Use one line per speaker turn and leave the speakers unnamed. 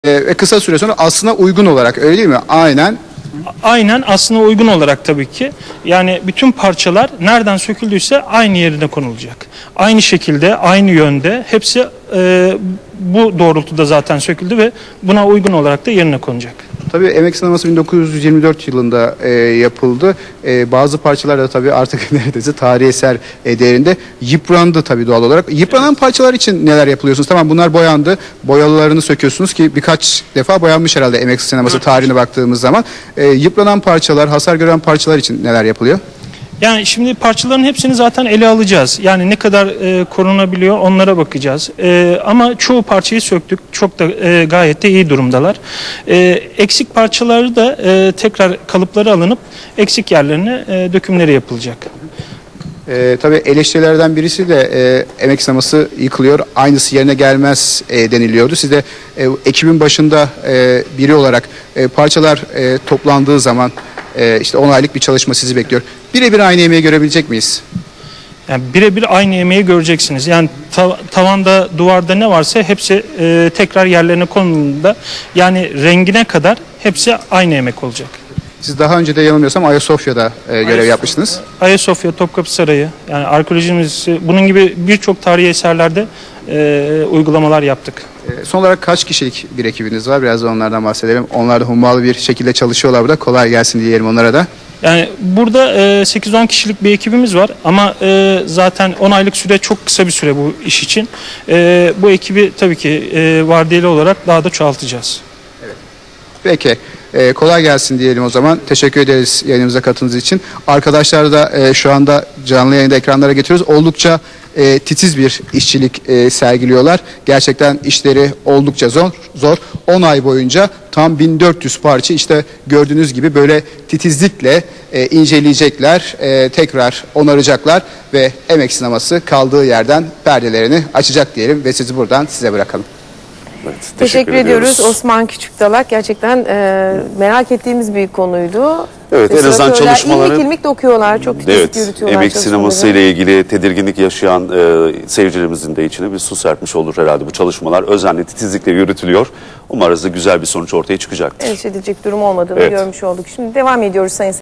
Ve kısa süre sonra aslına uygun olarak, öyle değil mi?
Aynen aslına uygun olarak tabii ki. Yani bütün parçalar nereden söküldüyse aynı yerine konulacak. Aynı şekilde, aynı yönde hepsi bu doğrultuda zaten söküldü ve buna uygun olarak da yerine konacak.
Tabii emek sineması 1924 yılında yapıldı. Bazı parçalar da tabii artık neredeyse tarihi eser değerinde yıprandı tabii doğal olarak. Yıpranan parçalar için neler yapılıyorsunuz? Tamam, bunlar boyandı. Boyalarını söküyorsunuz ki birkaç defa boyanmış herhalde emek sineması tarihine baktığımız zaman. Yıpranan parçalar, hasar gören parçalar için neler yapılıyor?
Yani şimdi parçaların hepsini zaten ele alacağız. Yani ne kadar korunabiliyor onlara bakacağız. Ama çoğu parçayı söktük. Çok da gayet de iyi durumdalar. Eksik parçaları da tekrar kalıpları alınıp eksik yerlerine dökümleri yapılacak.
Tabii eleştirilerden birisi de emek sineması yıkılıyor, aynısı yerine gelmez deniliyordu. Siz de ekibin başında biri olarak parçalar toplandığı zaman işte 10 aylık bir çalışma sizi bekliyor. Birebir aynı emeği görebilecek miyiz?
Yani birebir aynı emeği göreceksiniz. Yani tavanda, duvarda ne varsa hepsi tekrar yerlerine konulduğunda, yani rengine kadar hepsi aynı emek olacak.
Siz daha önce de yanılmıyorsam Ayasofya'da görev yapmıştınız.
Ayasofya, Topkapı Sarayı, yani arkeoloji müzesi, bunun gibi birçok tarihi eserlerde uygulamalar yaptık.
Son olarak kaç kişilik bir ekibiniz var? Biraz da onlardan bahsedelim. Onlar da hummalı bir şekilde çalışıyorlar burada. Kolay gelsin diyelim onlara da.
Yani burada 8-10 kişilik bir ekibimiz var ama zaten 10 aylık süre çok kısa bir süre bu iş için. Bu ekibi tabii ki vardiyeli olarak daha da çoğaltacağız.
Evet. Peki. Kolay gelsin diyelim o zaman. Teşekkür ederiz yayınımıza katıldığınız için. Arkadaşlar da şu anda canlı yayında ekranlara getiriyoruz. Oldukça titiz bir işçilik sergiliyorlar. Gerçekten işleri oldukça zor. 10 ay boyunca tam 1400 parça işte gördüğünüz gibi böyle titizlikle inceleyecekler, tekrar onaracaklar ve emek sineması kaldığı yerden perdelerini açacak diyelim ve sizi buradan size bırakalım.
Evet, teşekkür ediyoruz Osman Küçükdalak. Gerçekten merak ettiğimiz bir konuydu.
Evet, en azından çalışmaları...
İlmik ilmik dokuyorlar, çok titizlik yürütüyorlar.
Emek sineması ile ilgili tedirginlik yaşayan seyircilerimizin de içine bir su serpmiş olur herhalde bu çalışmalar. Özenle, titizlikle yürütülüyor. Umarız da güzel bir sonuç ortaya çıkacaktır.
Endişe edilecek durum olmadığını görmüş olduk. Şimdi devam ediyoruz sayın seyirciler.